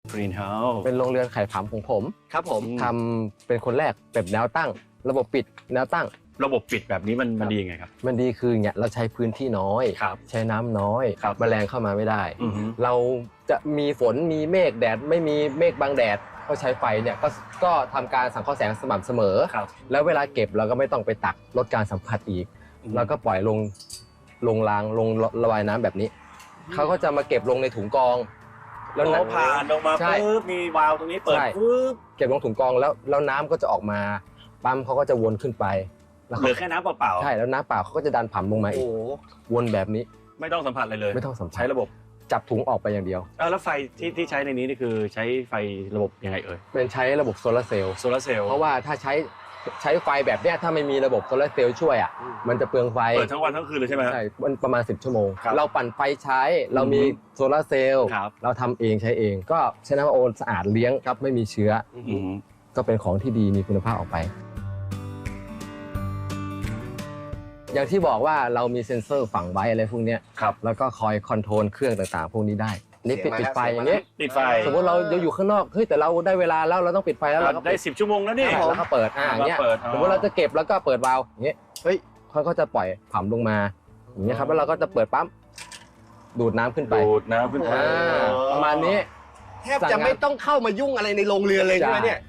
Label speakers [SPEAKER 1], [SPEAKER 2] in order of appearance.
[SPEAKER 1] Green House
[SPEAKER 2] เป็นโรงเรือนไข่ผำของผม
[SPEAKER 3] ครับผม
[SPEAKER 2] ทำเป็นคนแรกแบบแนวตั้ง ระบบปิดแนวตั้ง
[SPEAKER 1] ระบบปิดแบบนี้มันดียังไงครับ
[SPEAKER 2] มันดีคือเนี่ยเราใช้พื้นที่น้อย
[SPEAKER 1] ครับ
[SPEAKER 2] ใช้น้ำน้อย
[SPEAKER 1] ครับ
[SPEAKER 2] แมลงเข้ามาไม่ได้
[SPEAKER 1] อือฮึ
[SPEAKER 2] เราจะมีฝนมีเมฆแดดไม่มีเมฆบังแดดก็ใช้ไฟเนี่ยก็ทำการสังเคราะห์แสงสม่ำเสมอ
[SPEAKER 1] ครับ
[SPEAKER 2] แล้วเวลาเก็บเราก็ไม่ต้องไปตักลดการสัมผัสอีก เราก็ปล่อยลงรางลงระบายน้ำแบบนี้เขาก็จะมาเก็บลงในถุงกรอง
[SPEAKER 1] แล้ว
[SPEAKER 2] น้
[SPEAKER 1] ผ่านลงมา
[SPEAKER 2] ใช่
[SPEAKER 1] ปุ๊บมีวาล์วตรงนี้เปิด
[SPEAKER 2] ใช่
[SPEAKER 1] ปุ๊บ
[SPEAKER 2] เก็บลงถุงกรองแล้วน้ำก็จะออกมาปั๊มเขาก็จะวนขึ้นไปแล้ว
[SPEAKER 1] เหลือแค่น้ำเปล่าๆ
[SPEAKER 2] ใช่แล้วน้ำเปล่าเขาก็จะดันผ่ำลงมา
[SPEAKER 3] โอ้
[SPEAKER 2] อีก
[SPEAKER 3] โห
[SPEAKER 2] วนแบบนี้
[SPEAKER 1] ไม่ต้องสัมผัสอะไรเลย
[SPEAKER 2] ไม่ต้องสัมผัส
[SPEAKER 1] ใช้ระบบ
[SPEAKER 2] จับถุงออกไปอย่างเดียว
[SPEAKER 1] แล้วไฟที่ใช้ในนี้นี่คือใช้ไฟระบบยังไงเอ่ย
[SPEAKER 2] เป็นใช้ระบบโซลาร์เซลล์
[SPEAKER 1] โซลาร์เซลล์
[SPEAKER 2] เพราะว่าถ้าใช้ไฟแบบเนี้ยถ้าไม่มีระบบโซลาร์เซลล์ช่วยอ่ะมันจะเปลืองไฟ
[SPEAKER 1] เปิดทั้งวันทั้งคืนเลยใช่ไหม
[SPEAKER 2] ใช่มันประมาณ10 ชั่วโมง
[SPEAKER 1] ครับ
[SPEAKER 2] เราปั่นไฟใช้เรามีโซลาร์เซลล์
[SPEAKER 1] ครับ
[SPEAKER 2] เราทำเองใช้เอง ก็ใช้น้ำโอนสะอาดเลี้ยงครับไม่มีเชื้อ
[SPEAKER 1] อืม
[SPEAKER 2] ก็เป็นของที่ดีมีคุณภาพออกไป อย่างที่บอกว่าเรามีเซ็นเซอร์ฝังไว้อะไรพวกเนี้ย
[SPEAKER 1] ครับ
[SPEAKER 2] แล้วก็คอยคอนโทรลเครื่องต่างๆ พวกนี้ได้นี่ปิดไฟอย่างเงี้ย
[SPEAKER 1] ปิดไฟ
[SPEAKER 2] สมมติเราอยู่ข้างนอกเฮ้ยแต่เราได้เวลาแล้วเราต้องปิดไฟแล้วเราก็
[SPEAKER 1] ได้10 ชั่วโมงแล้วนี่
[SPEAKER 2] แล้วก็เปิดอย่างเงี้ย
[SPEAKER 1] เปิด
[SPEAKER 2] สมมติเราจะเก็บแล้วก็เปิดวาล์วอย่างเงี้ยเฮ้ยเขาก็จะปล่อยผ่ำลงมาอย่างเงี้ยครับแล้วเราก็จะเปิดปั๊มดูดน้ำขึ้นไป
[SPEAKER 1] ดูดน้ำขึ้นไป
[SPEAKER 2] ประมาณนี้
[SPEAKER 3] แทบจะไม่ต้องเข้ามายุ่งอะไรในโรงเรือนเลยใช่ไหมเนี่ย